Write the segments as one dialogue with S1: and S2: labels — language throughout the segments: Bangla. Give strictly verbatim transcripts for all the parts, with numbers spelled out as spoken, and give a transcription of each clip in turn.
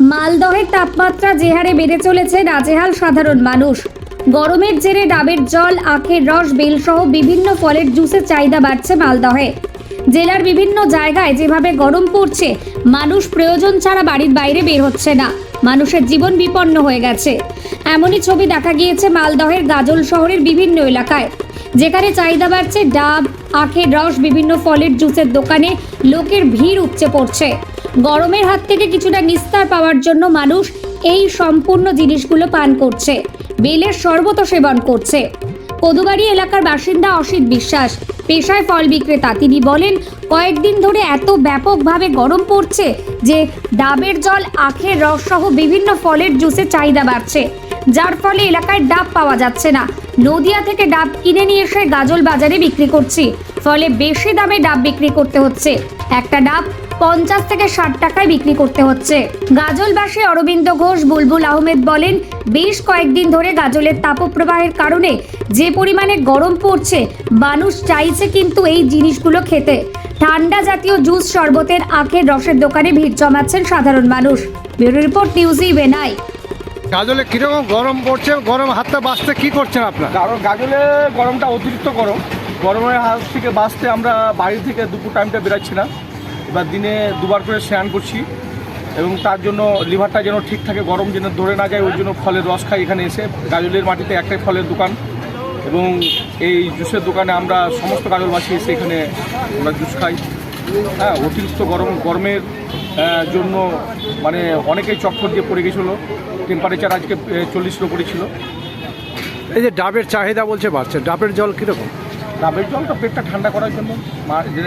S1: মালদহের তাপমাত্রা যে হারে বেড়ে চলেছে, নাজেহাল সাধারণ মানুষ। গরমের জেরে ডাবের জল, আখের রস, বেলসহ বিভিন্ন ফলের জুসের চাহিদা বাড়ছে মালদহে। জেলার বিভিন্ন জায়গায় যেভাবে গরম পড়ছে, মানুষ প্রয়োজন ছাড়া বাড়ির বাইরে বের হচ্ছে না। মানুষের জীবন বিপন্ন হয়ে গেছে। এমনই ছবি দেখা গিয়েছে মালদহের গাজল শহরের বিভিন্ন এলাকায়, যেখানে চাহিদা বাড়ছে ডাব, আখের রস, বিভিন্ন ফলের জুসের দোকানে লোকের ভিড় উপচে পড়ছে। গরমের হাত থেকে কিছুটা নিস্তার পাওয়ার জন্য মানুষ এই সম্পূর্ণ জিনিসগুলো পান করছে, বেলের শরবত সেবন করছে। কদুবাড়ি এলাকার বাসিন্দা অসিত বিশ্বাস, পেশায় ফল বিক্রেতা। তিনি বলেন, কয়েকদিন ধরে এত ব্যাপকভাবে গরম পড়ছে যে ডাবের জল, আখের রস সহ বিভিন্ন ফলের জুসের চাহিদা বাড়ছে, যার ফলে এলাকায় ডাব পাওয়া যাচ্ছে না। নদিয়া থেকে ডাব কিনে নিয়ে এসে গাজল বাজারে বিক্রি করছি, ফলে বেশি দামে ডাব বিক্রি করতে হচ্ছে। একটা ডাব পঞ্চাশ থেকে ষাট টাকায় বিক্রি করতে হচ্ছে। গাজলবাসী অরবিন্দ ঘোষ বুলবুল আহমেদ বলেন, বেশ কয়েকদিন ধরে গাজলের তাপপ্রবাহের কারণে যে পরিমাণে গরম পড়ছে, মানুষ চাইছে কিন্তু এই জিনিসগুলো খেতে। ঠান্ডা জাতীয় জুস, শরবতের, আখের রসের দোকানে ভিড় জমাচ্ছেন সাধারণ মানুষ। ব্যুরো রিপোর্ট, নিউজ ইভেনাই।
S2: গাজলে কিরকম গরম পড়ছে, গরম হাতটা বাঁচতে কি করছেন আপনার?
S3: কারণ গাজলে গরমটা অতিরিক্ত গরম, গরমের হাত থেকে বাঁচতে আমরা বাড়ি থেকে দুপুর টাইমটা বেরাচ্ছি না। এবার দিনে দুবার করে স্নান করছি এবং তার জন্য লিভারটা যেন ঠিক থাকে, গরম যেন ধরে না যায়, ওই জন্য ফলের রস খাই এখানে এসে। গাজলের মাটিতে একটাই ফলের দোকান এবং এই জুসের দোকানে আমরা সমস্ত গাজলবাসী এসে এখানে আমরা জুস খাই। হ্যাঁ, অতিরিক্ত গরম গরমের জন্য মানে অনেকেই চক্কর দিয়ে পড়ে গেছিলো। টেম্পারেচার আজকে চল্লিশের ওপরে ছিল।
S2: এই যে ডাবের চাহিদা বলছে বাড়ছে, ডাবের জল কীরকম?
S3: ডাবের জলটা পেটটা ঠান্ডা করার জন্য, যে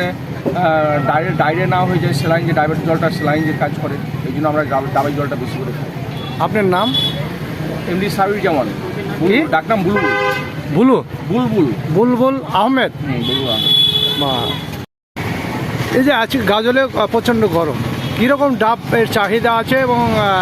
S3: ডাইরে ডাইরে না হয়ে যায়, স্যালাইন যে ডাবের জলটা স্যালাইন যে কাজ করে, এই জন্য আমরা ডাবের জলটা বেশি করে খাই।
S2: আপনার নাম?
S3: এমডি সাবির জামান, ডাকনাম বুলবুল।
S2: বুলু
S3: বুলবুল
S2: বুলবুল আহমেদ।
S3: হুম, বুলবুল আহমেদ।
S2: মা, এই যে আজকে গাজলে প্রচণ্ড গরম, কীরকম ডাবের চাহিদা আছে এবং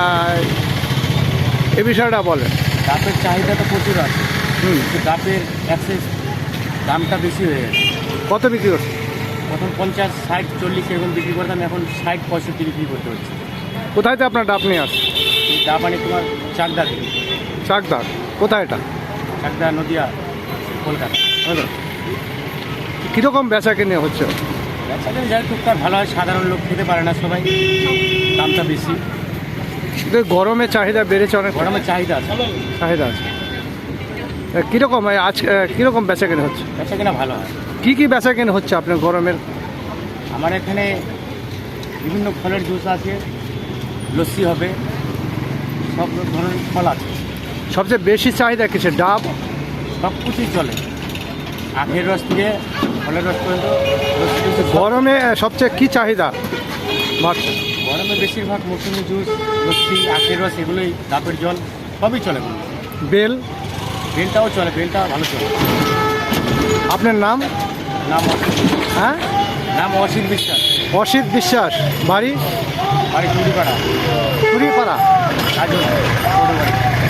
S2: এ বিষয়টা বলেন।
S4: ডাবের চাহিদা তো প্রচুর আছে,
S2: হুম,
S4: ডাবের অ্যাক্সেস দামটা বেশি হয়ে গেছে।
S2: কত বিক্রি করছে?
S4: প্রথম পঞ্চাশ, ষাট, চল্লিশ এরকম বিক্রি করতাম, এখন ষাট, পঁয়ষট্টি বিক্রি করতে হচ্ছে।
S2: কোথায় তো আপনার ডাব নিয়ে আসছে?
S4: এই ডাব আনি তোমার চাকদা থেকে।
S2: চাকদা কোথায় এটা?
S4: চাকদা, নদিয়া, কলকাতা।
S2: হ্যালো, কীরকম বেচা কিনে হচ্ছে?
S4: ব্যবসাটা যাই টুকটাক ভালো হয়, সাধারণ লোক খেতে পারে না সবাই, দামটা বেশি।
S2: কিন্তু গরমের চাহিদা বেড়েছে অনেক।
S4: গরমের চাহিদা আছে,
S2: চাহিদা আছে। কীরকম আজ কীরকম বেচা কিনে হচ্ছে?
S4: ব্যবসা কিনা ভালো হয়।
S2: কী কী বেচা কিনে হচ্ছে আপনার গরমের?
S4: আমার এখানে বিভিন্ন ফলের জুস আছে, লস্যি হবে, সব ধরনের ফল আছে।
S2: সবচেয়ে বেশি চাহিদা কিছু ডাব?
S4: সব কিছুই চলে, আখের রস থেকে ফলের রস পর্যন্ত।
S2: গরমে সবচেয়ে কী চাহিদা বাড়ছে?
S4: গরমে বেশিরভাগ মৌসুমি জুস, লস্যি, আখের রস, এগুলোই, ডাবের জল সবই চলে।
S2: বেল?
S4: বেলটাও চলে, বেলটা ভালো চলে।
S2: আপনার নাম?
S4: নাম
S2: হ্যাঁ,
S4: নাম অসিত বিশ্বাস।
S2: অসিত বিশ্বাস, বাড়ি?
S4: বাড়ি টুরিপাড়া।
S2: টুরিপাড়া।
S4: গাজল,